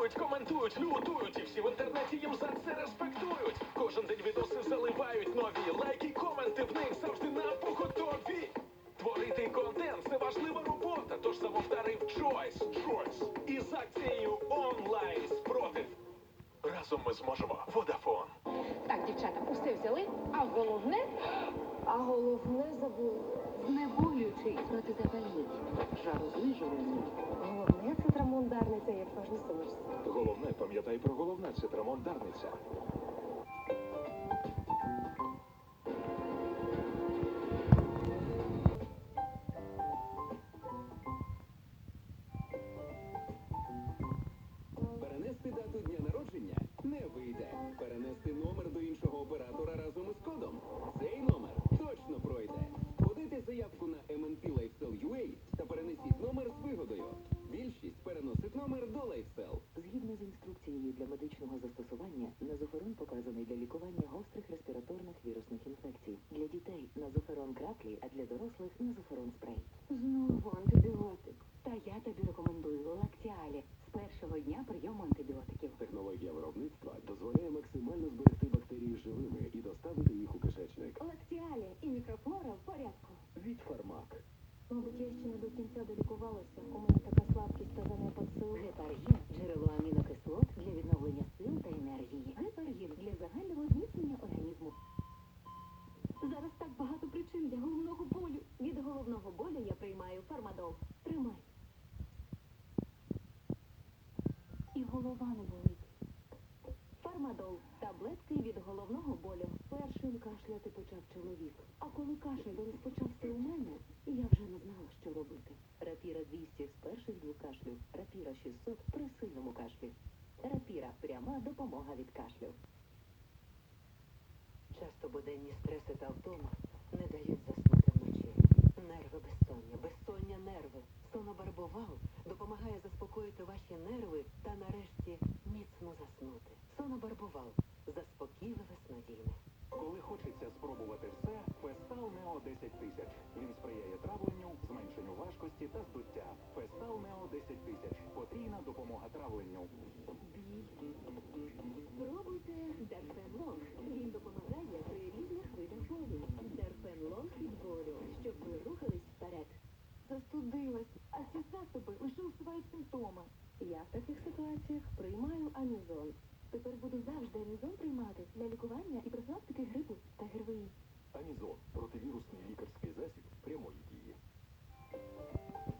реагують, коментують, лютують. І всі в інтернеті їм за це респектують. Кожен день відоси заливають нові. Лайки, коменти в них завжди на поготові. Творити контент – це важлива робота. Тож самовдарив Choice. Із акцією онлайн спротив. Разом ми зможемо. Vodafone. Так, дівчата, усе взяли, а головне забули. Знеболюючий протизапальний, жарознижувальний. Головне – це трамон Дарниця, як важно сумишся. Головне, пам'ятай про головне, це трамон Дарниця. Перенести дату дня народження не вийде. Перенести номер до іншого оператора разом із кодом. Цей номер точно пройде. Подайте заявку на MNP LifeStyle.ua та перенесіть номер з вигодою. Більшість переносить номер до LifeStyle. Згідно з інструкцією для медичного застосування, назоферон показаний для лікування гострих респіраторних вірусних інфекцій. Для дітей назоферон краплі, а для дорослих назоферон спрей. Знову антибіотик. Та я тобі рекомендую Лактіалі з першого дня прийому антибіотиків. Технологія виробництва дозволяє максимально зберегти бактерії живими і доставити їх у кишечник. Лактіалі і мікрофлора в порядку. Від Фармак. Мабуть, я ще не до кінця долікувалася. У мене така слабкість та занепад сил. Гепаргін – джерело амінокислот для відновлення сил та енергії. Гепаргін – для загального зміцнення організму. Зараз так багато причин для головного болю. Від головного болю я приймаю Фармадол. Тримай. І голова не болить. Фармадол – таблетки від головного болю. Першим кашляти почав чоловік. А коли кашель розпочався у мене, я вже не знала, що робити. Рапіра 200 з перших двох кашлів. Рапіра 600 при сильному кашлі. Рапіра – пряма допомога від кашлю. Часто буденні стреси та втома не дають заснути вночі. Нерви безсоння нерви. Сонобарбовал допомагає заспокоїти ваші нерви та нарешті міцно заснути. Сонобарбовал – заспокійливе снодійне. Коли хочеться спробувати все, Фестал Нео 10 тисяч. Він сприяє травленню, зменшенню важкості та здуття. Фестал Нео 10 тисяч. Потрійна допомога травленню. Спробуйте Дерфенлонг. Він допомагає при різних видах болю. Дерфенлонг від болю, щоб ви рухались вперед. Застудилась, а ці засоби лише усувають симптоми. Я в таких ситуаціях приймаю Амізон. Тепер буду завжди Амізон приймати для лікування і профілактики грипу та ГРВІ. Амізон – противірусний лікарський засіб прямої дії.